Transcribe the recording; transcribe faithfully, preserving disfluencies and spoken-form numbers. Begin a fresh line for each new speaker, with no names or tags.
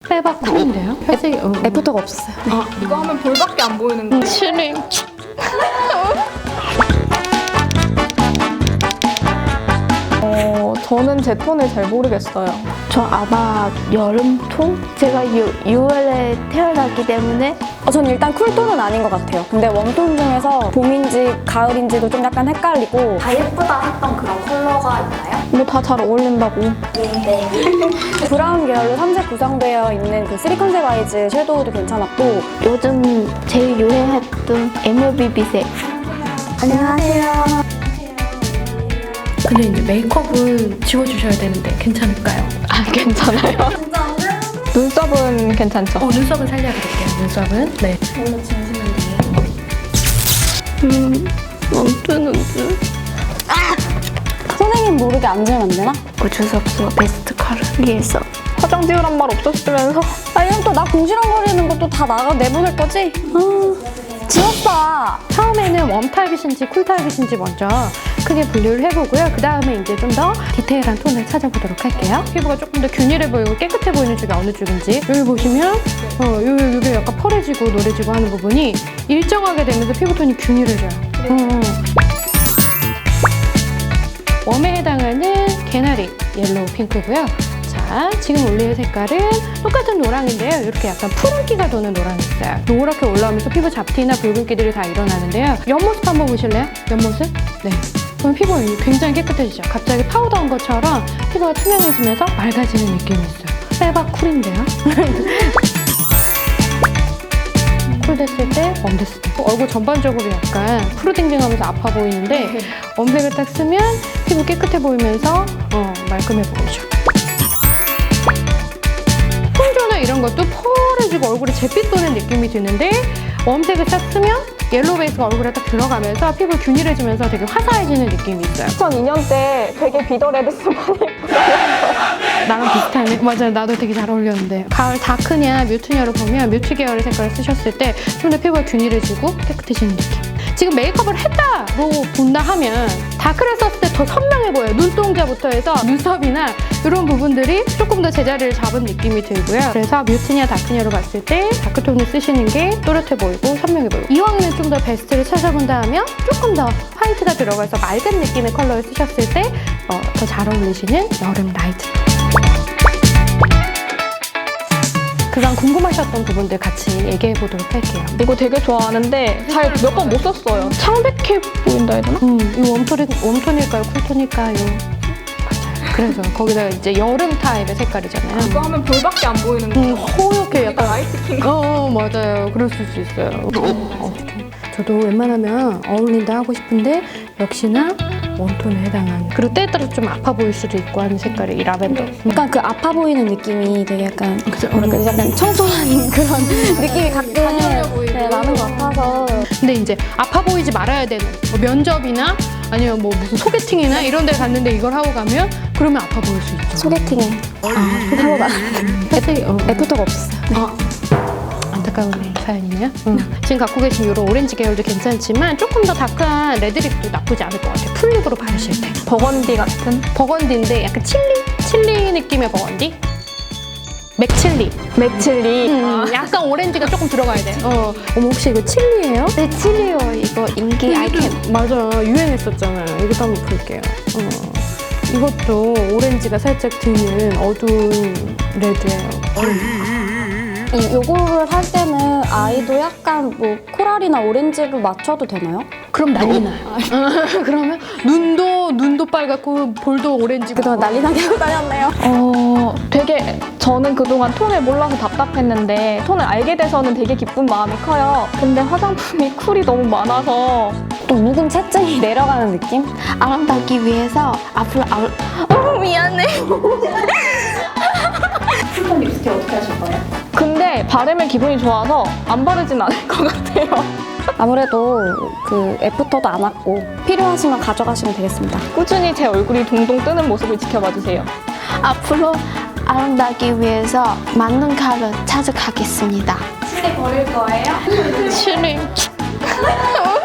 빼박 쿨인데요? 살색이 어.
애프터가 없었어요.
아, 이거 하면 볼밖에 안 보이는 거.
슈링.
어, 저는 제 톤을 잘 모르겠어요.
저 아마 여름톤? 제가 유, 유월에 태어났기 때문에
어, 전 일단 쿨톤은 아닌 것 같아요. 근데 웜톤 중에서 봄인지 가을인지도 좀 약간 헷갈리고.
다 예쁘다 했던 그런 컬러가 있나요?
뭐 다 잘 어울린다고.
네.
브라운 계열로 삼색 구성되어 있는 그 쓰리 컨셉 아이즈 섀도우도 괜찮았고.
요즘 제일 유행했던 엠오비비색. 안녕하세요.
근데 이제 메이크업은 지워주셔야 되는데 괜찮을까요?
아, 괜찮아요.
눈썹은 괜찮죠?
어, 눈썹은 살려드릴게요. 눈썹은. 네.
음, 멈추는지.
선생님 모르게 앉으면 안 되나?
어쩔 수 없어. 베스트 컬러 위해서.
화장 지우란 말 없었으면서.
아, 이건 또 나 궁시렁거리는 것도 다 나가 내보낼 거지? 아, 지웠다.
처음에는 웜 타입이신지 쿨 타입이신지 먼저 크게 분류를 해보고요. 그 다음에 이제 좀 더 디테일한 톤을 찾아보도록 할게요. 피부가 조금 더 균일해 보이고 깨끗해 보이는 쪽이 어느 쪽인지 여기 보시면 어, 요, 요게 약간 펄해지고 노래지고 하는 부분이 일정하게 되면서 피부톤이 균일해져요. 어, 어. 웜에 해당하는 개나리 옐로우 핑크고요. 자, 지금 올릴 색깔은 똑같은 노랑인데요. 이렇게 약간 푸른기가 도는 노랑이 있어요. 노랗게 올라오면서 피부 잡티나 붉은기들이 다 일어나는데요. 옆모습 한번 보실래요? 옆모습? 네. 그럼 피부가 굉장히 깨끗해지죠. 갑자기 파우더한 것처럼 피부가 투명해지면서 맑아지는 느낌이 있어요. 빼박 쿨인데요. 쿨 됐을 때, 웜 됐을 때. 얼굴 전반적으로 약간 푸르딩딩하면서 아파 보이는데 웜색을 딱 쓰면 피부 깨끗해 보이면서 어, 말끔해 보이죠. 톤조나 이런 것도 펄해지고 얼굴에 잿빛 도는 느낌이 드는데 웜색을 딱 쓰면 옐로우 베이스가 얼굴에 딱 들어가면서 피부 균일해지면서 되게 화사해지는 느낌이 있어요.
이천이 년 때 되게 비더레드스 많이
나랑 비슷하네. 맞아요. 나도 되게 잘 어울렸는데. 가을 다크냐 뮤트냐로 보면 뮤트 계열의 색깔을 쓰셨을 때 좀 더 피부가 균일해지고 깨끗해지는 느낌. 지금 메이크업을 했다로 본다 하면 다크를 썼을 때 더 선명해 보여요. 눈동자부터 해서 눈썹이나 이런 부분들이 조금 더 제자리를 잡은 느낌이 들고요. 그래서 뮤트냐 다크냐로 봤을 때 다크톤을 쓰시는 게 또렷해 보이고 선명해 보이고 이왕이면 좀 더 베스트를 찾아본다 하면 조금 더 화이트가 들어가서 맑은 느낌의 컬러를 쓰셨을 때 더 잘 어울리시는 여름 라이트 톤. 그간 궁금하셨던 부분들 같이 얘기해 보도록 할게요.
이거 되게 좋아하는데 잘 몇 번 못 썼어요. 창백해 보인다 해야 되나?
음, 이 웜톤이, 웜톤일까요? 쿨톤일까요? 맞아요. 그래서 거기다가 이제 여름 타입의 색깔이잖아요.
이거 하면 볼밖에 안 보이는 거.
음, 허옇게 약간
라이트 킹.
어, 어, 맞아요. 그랬을 수 있어요. 어, 저도 웬만하면 어울린다 하고 싶은데 역시나 웜톤에 해당하는 그리고 때에 따라 좀 아파 보일 수도 있고 하는 색깔이 이 라벤더.
약간 그 아파 보이는 느낌이 되게 약간
그죠?
뭐랄까 약간 청초한 그런 느낌이 가끔 네, 나는 것 같아서.
근데 이제 아파 보이지 말아야 되는 뭐 면접이나 아니면 뭐 무슨 소개팅이나 이런 데 갔는데 이걸 하고 가면 그러면 아파 보일 수 있죠.
소개팅에 하고 나
애들이 어,
애프터가 없었어요.
아, 안타까운 사연이네요. 음. 지금 갖고 계신 이런 오렌지 계열도 괜찮지만 조금 더 다크한 레드립도 나쁘지 않을 것 같아요. 풀립으로 바르실 때.
버건디 같은?
버건디인데 약간 칠리? 칠리 느낌의 버건디? 맥칠리.
맥칠리.
음, 약간 오렌지가 조금 들어가야 돼. 어. 어머, 혹시 이거 칠리예요?
네, 칠리요. 이거 인기 아이템.
맞아. 유행했었잖아요. 이것도 한번 볼게요. 어. 이것도 오렌지가 살짝 드는 어두운 레드예요.
이 요거를 할 때는 아이도 약간 뭐 코랄이나 오렌지로 맞춰도 되나요?
그럼 난리 나요. 그러면 눈도 눈도 빨갛고 볼도 오렌지고.
그동안 난리 나게 하고 다녔네요.
어, 되게 저는 그동안 톤을 몰라서 답답했는데 톤을 알게 돼서는 되게 기쁜 마음이 커요. 근데 화장품이 쿨이 너무 많아서
또 묵은 채증이 내려가는 느낌?
아름답기 위해서 앞으로 아름... 어, 미안해.
근데 바르면 기분이 좋아서 안 바르진 않을 것 같아요.
아무래도 그 애프터도 안 왔고 필요하시면 가져가시면 되겠습니다.
꾸준히 제 얼굴이 동동 뜨는 모습을 지켜봐 주세요.
앞으로 아름답기 위해서 맞는 컬러 찾아가겠습니다.
실내 버릴 거예요?
칠리.